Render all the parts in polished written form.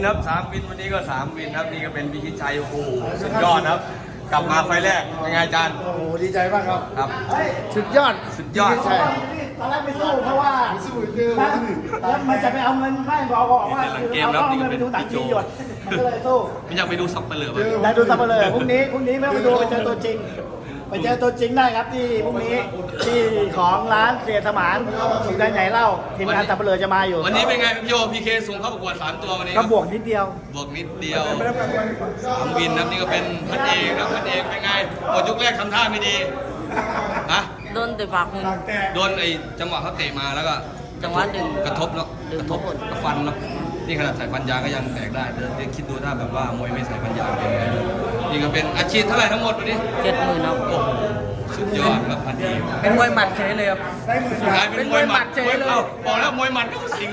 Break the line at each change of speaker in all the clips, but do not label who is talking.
ครับ3 วินวันนี้ก็3 วินครับนี่ก็เป็นพิชิตชัยโอ้โหสุดยอดครับกลับมาไฟแรกเป็นไงอาจารย์
โอ้โหดีใจมากครับ
ครับ
สุดยอด
สุดยอด
ใช่ตอนแรกไม่สู้เพราะว่าแล้วมันจะไปเอาเงินไม่บอกว่าเอาเงินไปดูต่างทีหยดมันก็เลยสู้
ไม่อยากไปดูซับเปลือก
ได้ดูซับเปลือกพรุ่งนี้ไม่ต้องไปดูไปเจอตัวจริงไปเจอตัวจริงได้ครับที่พรุ่งนี้ที่ของร้านเสียสมานอยู่ได้ไหนเล่าทีมงานซับเปลือกจะมาอยู่
วันนี้เป็นไงพี่โยพีเคส่งเข้าประกวด3 ตัววันนี้
ก็บวกนิดเดียว
บวกนิดเดียว3 วินครับนี่ก็เป็นพันเอกครับพันเอกเป็นไงหมดยกแรกทำท่าไม่ดีฮะ
โดนแต่ปากมึง
โดนไอ้จังหวะเขาเตะมาแล้วก็
จังหวะดึง
กระทบเนาะกระทบกับฟันเนาะนี่ขนาดใส่ฟันยางก็ยังแตกได้เดี๋ยวคิดดูถ้าแบบว่ามวยไม่ใส่ฟันยางเป็นไงนี่ก็เป็นอาชีพเท่าไหร่ทั้งหมดวันนี้
70,000ครับ
โอ้โหสุดยอดครับพันเอก
เป็นมวยหมัดเฉยเลยครับ
กลายเป็นมวยหมัด
เป็นมวยหมัดเฉยเลย
อ้าบอกแล้วมวยหมัดเข้าสิง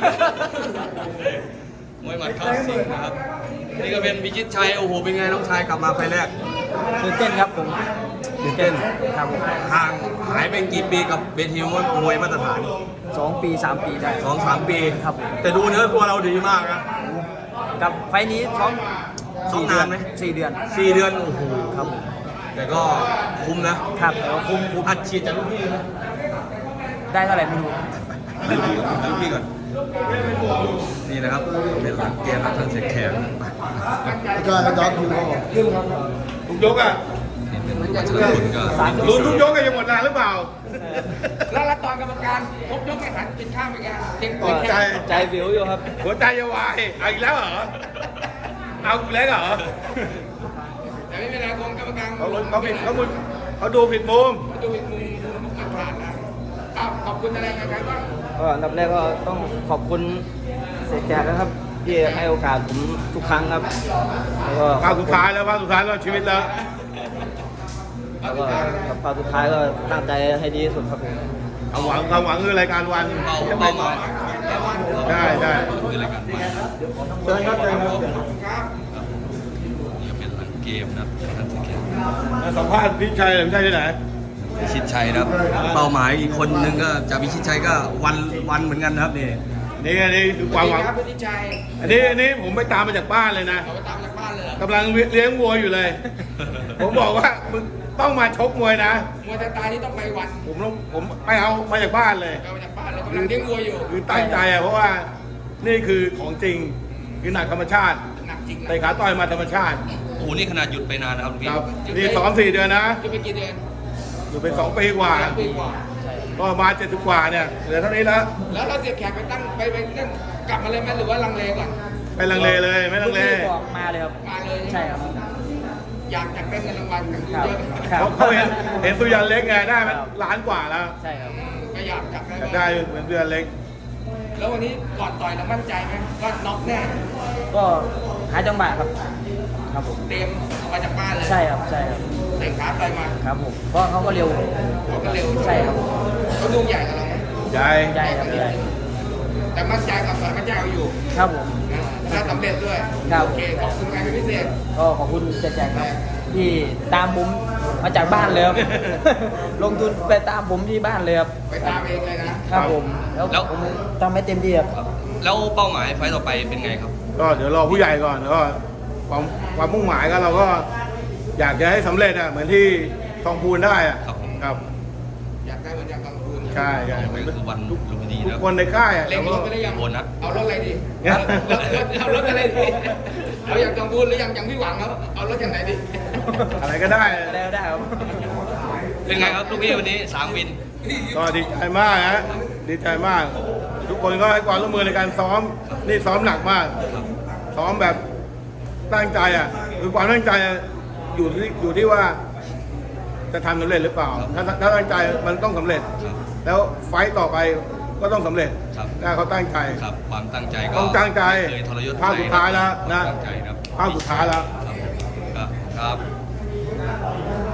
มวยหมัดเข้าสิงนะครับนี่ก็เป็นพิชิตชัยโอ้โหเป็นไงน้องชายกลับมาไฟแรก
ตื่นเต้นครับผม
ตื่นเต้น
ครับ
ห่างหายไปกี่ปีกับเวทีมวยมาตรฐาน
2 ปี 3 ปีได้
2-3 ปี
ครับ
แต่ดูเนื้อตัวเราดีมากนะ
กับไฟล์นี้ซ้อม
ซ้อมนานไหม
4 เดือน
4 เดือนโอ้โห
ครับ
แต่ก็คุ้มนะครับแต่ว่าคุ้มอัดฉีดจากลูกพี่นะ
ได้เท่าไหร่ไม่รู้
ลูกพี่ก่อนนี่นะครับเป็นหลังเกมครับท่านเสกแขก
ก็จอดอยู่ครับ
ทุกยกอ่ะ
นี่เป็นวัชรพลก็
ลุ้นทุกยกก็ยังหมดนานหรือเปล่า
แล้วตอนกรรมการครบยกไม่หันกินข้าวไปแกเต็ม
หัวใจ
ใจวิวอยู่ครับ
หัวใจจะวายเอาอีกแล้วเหรอ เอาอีกแล้วเหรอ
แต่ไม่เป็นไรกรมกรรมการ
เขาผิดเขาดูผิดมุม
ดูอีกมุมผ่านนะขอบคุณอะไรกันบ้าง
ก็อันดับแรกก็ต้องขอบคุณเสกแขกนะครับที่ให้โอกาสผมทุกครั้งครับแล้วก็
ภาคสุดท้ายแล้วชีวิตแล้ว
แล้วก็กับภาคสุดท้ายก็ตั้งใจให้ดีที่สุดครับผม
ความหวังคือรายการวัน
เป้าหมาย
ได้ได้
คืออะไรกันมา
เชิญครับเชิญครับ
นี่ก็เป็นหลังเกมนะครับท่านเสกแขก
สัมภาษณ์พี่ชัยหรือพี่ชัยที่ไหน
พิชิตชัยนะครับเป้าหมายอีกคนนึงก็จากพิชิตชัยก็วันเหมือนกันนะครับนี่
นี่คือความหวัง
ครับพี่ชัย
อันนี้ผมไปตามมาจากบ้านเลยนะ
เขาไปตามจากบ้านเลย
กำลังเลี้ยงวัวอยู่เลย ผมบอกว่ามึงต้องมาชกมวยนะ
มวยตายนี่ต้องไปวัน
ผมไปเอามาจากบ้านเลย
ไปจากบ้านเลยกำลังเลี้ยงวัวอยู่
คือตั้งใจอะเพราะว่านี่คือของจริงคือหนักธรรมชาติ
หนักจริงนะ
เตะขาต่อยมาธรรมชาติ
โอ้โหนี่ขนาดหยุดไปนานนะครับพี่
ครับนี่ซ้อม4 เดือนนะ
จะไปกี่เดือน
อยู่เป็น2 ปีกว่า
ปีกว่า
ก็มา70 กว่าเนี่ยเหลือเท่านี้แล้ว
แล้วเราเสียแขกไปตั้งไปนั่นกลับมาเลยไหมหรือว่าลังเลก่อน
ไม่ลังเลเลยไม่ลังเล
บอกมาเลยครับ
มาเลย
ใช่ครับ
อยากได้เงินรางวัลกัน
ครับ
เยอะ
ครับ
เขาเห็นสุยันเล็กไงได้มันล้านกว่าแล้ว
ใช่ครับ
ก็อยากได้
อยากได้เหมือนสุยันเล็ก
แล้ววันนี้ก่อนต่อยเรามั่นใจไหมก็น็อกแน่
ก็หาจังหวะครับ ครับผม
เตรียมออกมาจากบ้านเลย
ใช่ครับ ใช่ครับ
เตะขาต่อยมา
ครับผม เพราะเขาก็เร็ว
เขาก็เร็ว
ใช่ครับ
เขาดูใหญ่กว่าเราไหม
ใหญ่
ใช่ครับใช่
แต่มั่นใจกับต่อยมั่นใจเอาอยู่
ครับผม
ถ้าสำเร็จด้วย
ครับ
โอเคขอบคุณใครเป็นพิเศษ
ก็ขอบคุณแจกครับ ที่ตามผมมาจากบ้านเลยครับ ลงทุนไปตามผมที่บ้านเลยครับ
ไปตามเองเลยนะครับ
ผม แล้วผมทำให้เต็มที่ครับ
แล้วเป้าหมายไฟต์ต่อไปเป็นไงครับ
ก็เดี๋ยวรอผู้ใหญ่ก่อนแล้วก็ความมุ่งหมายก็เราก็อยากจะให้สำเร็จอะเหมือนที่ทองพูนได้อะ
ครับผม
ครับ
อยากได้เหมือนอย่างกลางคืน
ใช่ใช่
ต่อไปก็คือวันลุมพินี
ทุ
นะ
กคนในค่ายอะ
เล็งรถไปได้ยัง
โบนัส
เอารถอะไรดีเอารถอะไรดีเอาอย่างกลางคืนหรืออย่างพี่หวังครับเอารถอย่างไหนดี
อะไรก็ได้
ได้ครับ
เป็นไงครับลูกพี่วันนี้3 วิน
ก็ดีใจมากฮะดีใจมาก ทุกคนก็ให้ความร่วมมือในการซ้อมนี่ซ้อมหนักมากซ้อมแบบตั้งใจอ่ะคือความตั้งใจอะอยู่ที่ว่าจะทำสำเร็จหรือเปล่า ถ้าตั้งใจมันต้องสำเร็จ แล้วไฟต์ต่อไปก็ต้องสำเร็จ
ครับ
ถ้าเขาตั้งใจ
ครับความตั้งใจก็
ต้องตั้งใจ
ไม่เคยทรยศ
ภาคสุดท้ายแล้วนะ
ตั้งใจครับ
ภาคสุดท้ายแล้ว
ครับ